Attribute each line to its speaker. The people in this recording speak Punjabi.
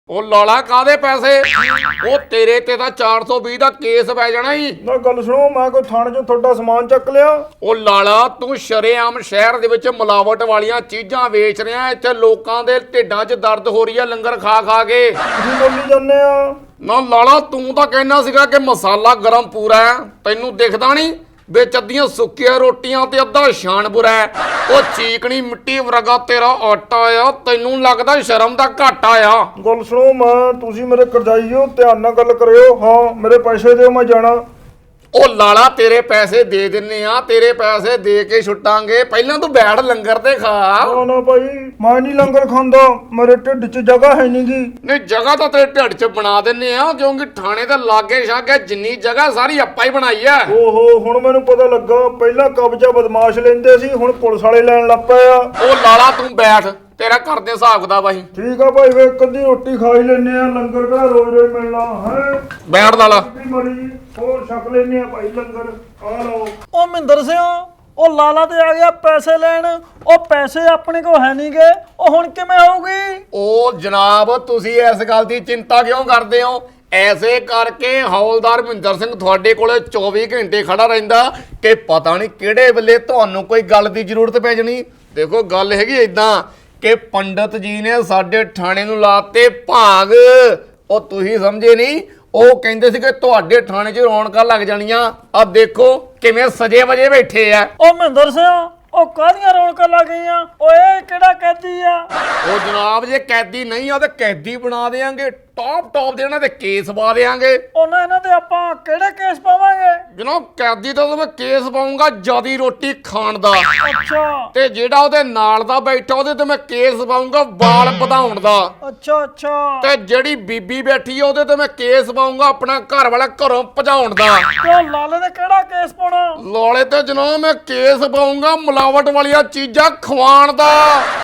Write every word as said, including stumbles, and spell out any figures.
Speaker 1: ਉਹ ਲਾਲਾ ਕਾਦੇ ਪੈਸੇ? ਉਹ ਤੇਰੇ ਤੇ ਤਾਂ ਚਾਰ ਸੌ ਵੀਹ ਦਾ ਕੇਸ ਪੈ ਜਾਣਾ ਹੀ।
Speaker 2: ਨਾ ਗੱਲ ਸੁਣੋ, ਮੈਂ ਕੋਈ ਥਾਣੇ 'ਚੋਂ ਤੁਹਾਡਾ ਸਮਾਨ ਚੱਕ ਲਿਆ?
Speaker 1: ਉਹ ਲਾਲਾ ਤੂੰ ਸ਼ਰੇਆਮ ਸ਼ਹਿਰ ਦੇ ਵਿੱਚ ਮਿਲਾਵਟ ਵਾਲੀਆਂ ਚੀਜ਼ਾਂ ਵੇਚ ਰਿਹਾ। ਇੱਥੇ ਲੋਕਾਂ ਦੇ ਢਿੱਡਾਂ 'ਚ ਦਰਦ ਹੋ ਰਹੀ ਆ ਲੰਗਰ ਖਾ ਖਾ ਕੇ।
Speaker 2: ਤੁਸੀਂ ਬੋਲੀ ਜਾਂਦੇ ਆ।
Speaker 1: ਨਾ ਲਾਲਾ ਤੂੰ ਤਾਂ ਕਹਿਣਾ ਸੀਗਾ ਕਿ ਮਸਾਲਾ ਗਰਮ ਪੂਰਾ ਹੈ, ਤੈਨੂੰ ਦਿਖਦਾ ਨਹੀਂ? ਵਿੱਚ ਅੱਧੀਆਂ ਸੁੱਕੀਆਂ ਰੋਟੀਆਂ ਤੇ ਅੱਧਾ ਛਾਣਬੁਰਾ ਹੈ। ਉਹ ਚੀਕਣੀ ਮਿੱਟੀ ਵਰਗਾ ਤੇਰਾ ਆਟਾ ਆ, ਤੈਨੂੰ ਲੱਗਦਾ ਸ਼ਰਮ ਦਾ ਘਾਟਾ ਆ।
Speaker 2: ਗੱਲ ਸੁਣੋ, ਮੈਂ ਤੁਸੀਂ ਮੇਰੇ ਕਰਜ਼ਾਈ ਹੋ, ਧਿਆਨ ਨਾਲ ਗੱਲ ਕਰਿਓ। ਹਾਂ ਮੇਰੇ ਪੈਸੇ ਦਿਓ, ਮੈਂ ਜਾਣਾ।
Speaker 1: ਉਹ ਲਾਲਾ ਤੇਰੇ ਪੈਸੇ ਦੇ ਦਿੰਨੇ ਆ, ਤੇਰੇ ਪੈਸੇ ਦੇ ਕੇ ਛੁੱਟਾਂਗੇ। ਪਹਿਲਾਂ ਤੂੰ ਬੈਠ ਲੰਗਰ ਤੇ ਖਾ।
Speaker 2: ਨਾ ਨਾ ਭਾਈ, ਮੈਂ ਨਹੀਂ ਲੰਗਰ ਖਾਂਦਾ, ਮੇਰੇ ਢਿੱਡ 'ਚ ਜਗ੍ਹਾ ਹੈ ਨੀ ਗੀ।
Speaker 1: ਨਹੀਂ ਜਗ੍ਹਾ ਤਾਂ ਤੇਰੇ ਢਿੱਡ 'ਚ ਬਣਾ ਦਿੰਨੇ ਆ, ਕਿਉਂਕਿ ਥਾਣੇ ਦੇ ਲਾਗੇ ਛਾਗੇ ਜਿੰਨੀ ਜਗ੍ਹਾ ਸਾਰੀ ਆਪਾਂ ਹੀ ਬਣਾਈ ਆ।
Speaker 2: ਓਹੋ, ਹੁਣ ਮੈਨੂੰ ਪਤਾ ਲੱਗਾ। ਪਹਿਲਾਂ ਕਬਜ਼ਾ ਬਦਮਾਸ਼ ਲੈਂਦੇ ਸੀ, ਹੁਣ ਪੁਲਿਸ ਵਾਲੇ ਲੈਣ ਲੱਗ ਪਏ ਆ।
Speaker 1: ਉਹ ਲਾਲਾ ਤੂੰ ਬੈਠ, ਤੇਰਾ ਘਰ ਦੇ ਹਿਸਾਬ ਦਾ ਬਾਈ।
Speaker 2: ਠੀਕ ਆ ਭਾਈ, ਵੇ ਇੱਕ ਅੱਧੀ ਰੋਟੀ ਖਾ ਹੀ ਲੈਨੇ ਆ, ਲੰਗਰ ਕਿਹੜਾ ਰੋਜ਼ ਰੋਜ਼ ਮਿਲਣਾ ਹੈ।
Speaker 1: ਬੈਠ ਲਾਲਾ।
Speaker 2: ਮਰੀ ਹੋਰ ਛਕ ਲੈਨੇ ਆ ਭਾਈ ਲੰਗਰ। ਆ ਲਓ।
Speaker 3: ਉਹ ਮਹਿੰਦਰ ਸਿੰਘ, ਉਹ ਲਾਲਾ ਤੇ ਆ ਗਿਆ ਪੈਸੇ ਲੈਣ। ਉਹ ਪੈਸੇ ਆਪਣੇ ਕੋਲ ਹੈ ਨਹੀਂ ਗੇ, ਉਹ ਹੁਣ ਕਿਵੇਂ ਹੋਊਗੀ?
Speaker 1: ਉਹ ਜਨਾਬ ਤੁਸੀਂ ਇਸ ਗੱਲ ਦੀ ਚਿੰਤਾ ਕਿਉਂ ਕਰਦੇ ਹੋ? ਐਸੇ ਕਰਕੇ ਹੌਲਦਾਰ ਮਹਿੰਦਰ ਸਿੰਘ ਤੁਹਾਡੇ ਕੋਲੇ ਚੌਵੀ ਘੰਟੇ ਖੜਾ ਰਹਿੰਦਾ ਕਿ ਪਤਾ ਨਹੀਂ ਕਿਹੜੇ ਵੇਲੇ ਤੁਹਾਨੂੰ ਕੋਈ ਗੱਲ ਦੀ ਜ਼ਰੂਰਤ ਪੈ ਜਾਣੀ। ਦੇਖੋ ਗੱਲ ਹੈਗੀ ਇਦਾਂ ਕਿ ਪੰਡਤ ਜੀ ਨੇ ਸਾਡੇ ਥਾਣੇ ਨੂੰ ਲਾਤੇ ਭਾਗ। ਉਹ ਤੁਸੀਂ ਸਮਝੇ ਨਹੀਂ, ਉਹ ਕਹਿੰਦੇ ਸੀ ਕਿ ਤੁਹਾਡੇ ਥਾਣੇ 'ਚ ਰੌਣਕਾਂ ਲੱਗ ਜਾਣੀਆਂ। ਆ ਦੇਖੋ ਕਿਵੇਂ ਸਜੇ ਵਜੇ ਬੈਠੇ ਆ।
Speaker 3: ਉਹ ਮਹਿੰਦਰ ਸਿੰਘ, ਉਹ ਕਾਹਦੀਆਂ ਰੌਣਕਾਂ ਲੱਗ ਗਈਆਂ? ਓਏ ਕਿਹੜਾ ਕੈਦੀ ਆ?
Speaker 1: ਉਹ ਜਨਾਬ ਜੇ ਕੈਦੀ ਨਹੀਂ ਆ ਤੇ ਕੈਦੀ ਬਣਾ ਦੇਾਂਗੇ। ਟੌਪ ਟੌਪ ਦੇ ਇਹਨਾਂ ਦੇ ਕੇਸ ਪਾ ਦੇਾਂਗੇ।
Speaker 3: ਉਹਨਾਂ ਇਹਨਾਂ ਤੇ ਆਪਾਂ ਕਿਹੜੇ ਕੇਸ ਪਾਵਾਂਗੇ?
Speaker 1: ਜਨਾਬ ਕੈਦੀ ਤਾਂ ਮੈਂ ਕੇਸ ਪਾਉਂਗਾ ਜਿਆਦੀ ਰੋਟੀ ਖਾਣ ਦਾ,
Speaker 3: ਅੱਛਾ
Speaker 1: ਤੇ ਜਿਹੜਾ ਉਹਦੇ ਨਾਲ ਦਾ ਬੈਠਾ ਉਹਦੇ ਤੇ ਮੈਂ ਕੇਸ ਪਾਉਂਗਾ ਵਾਲ ਵਧਾਉਣ ਦਾ,
Speaker 3: ਅੱਛਾ ਅੱਛਾ।
Speaker 1: ਤੇ ਜਿਹੜੀ ਬੀਬੀ ਬੈਠੀ ਆ ਉਹਦੇ ਤੇ ਮੈਂ ਕੇਸ ਪਾਉਂਗਾ ਆਪਣਾ ਘਰ ਵਾਲਾ ਘਰੋਂ ਭਜਾਉਣ ਦਾ।
Speaker 3: ਤੇ ਉਹ ਲਾਲੇ ਤੇ ਕਿਹੜਾ ਕੇਸ ਪਾਉਣਾ?
Speaker 1: ਲੋਲੇ ਤੇ ਜਨਾਬ ਮੈਂ ਕੇਸ ਪਾਉਂਗਾ ਮਿਲਾਵਟ ਵਾਲੀਆਂ ਚੀਜ਼ਾਂ ਖਵਾਉਣ ਦਾ।